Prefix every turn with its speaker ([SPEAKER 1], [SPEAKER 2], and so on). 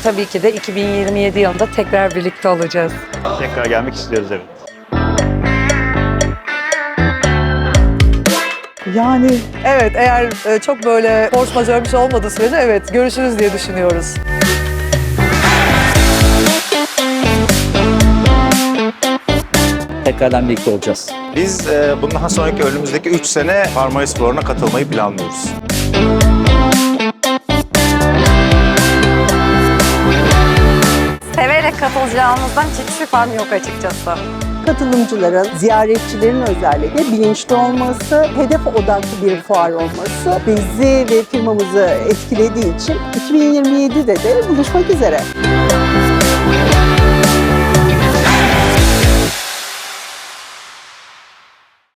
[SPEAKER 1] tabii ki de 2027 yılında tekrar birlikte olacağız.
[SPEAKER 2] Tekrar gelmek istiyoruz, evet.
[SPEAKER 3] Yani evet, eğer çok böyle force majeure bir şey olmadığı sürece evet görüşürüz diye düşünüyoruz.
[SPEAKER 4] Tekrardan birlikte olacağız.
[SPEAKER 5] Biz bundan sonraki önümüzdeki 3 sene Marmaris Fuarı'na katılmayı planlıyoruz.
[SPEAKER 1] Severek katılacağımızdan hiç şüphem yok açıkçası.
[SPEAKER 6] Katılımcıların, ziyaretçilerin özellikle bilinçli olması, hedef odaklı bir fuar olması bizi ve firmamızı etkilediği için 2027'de de buluşmak üzere.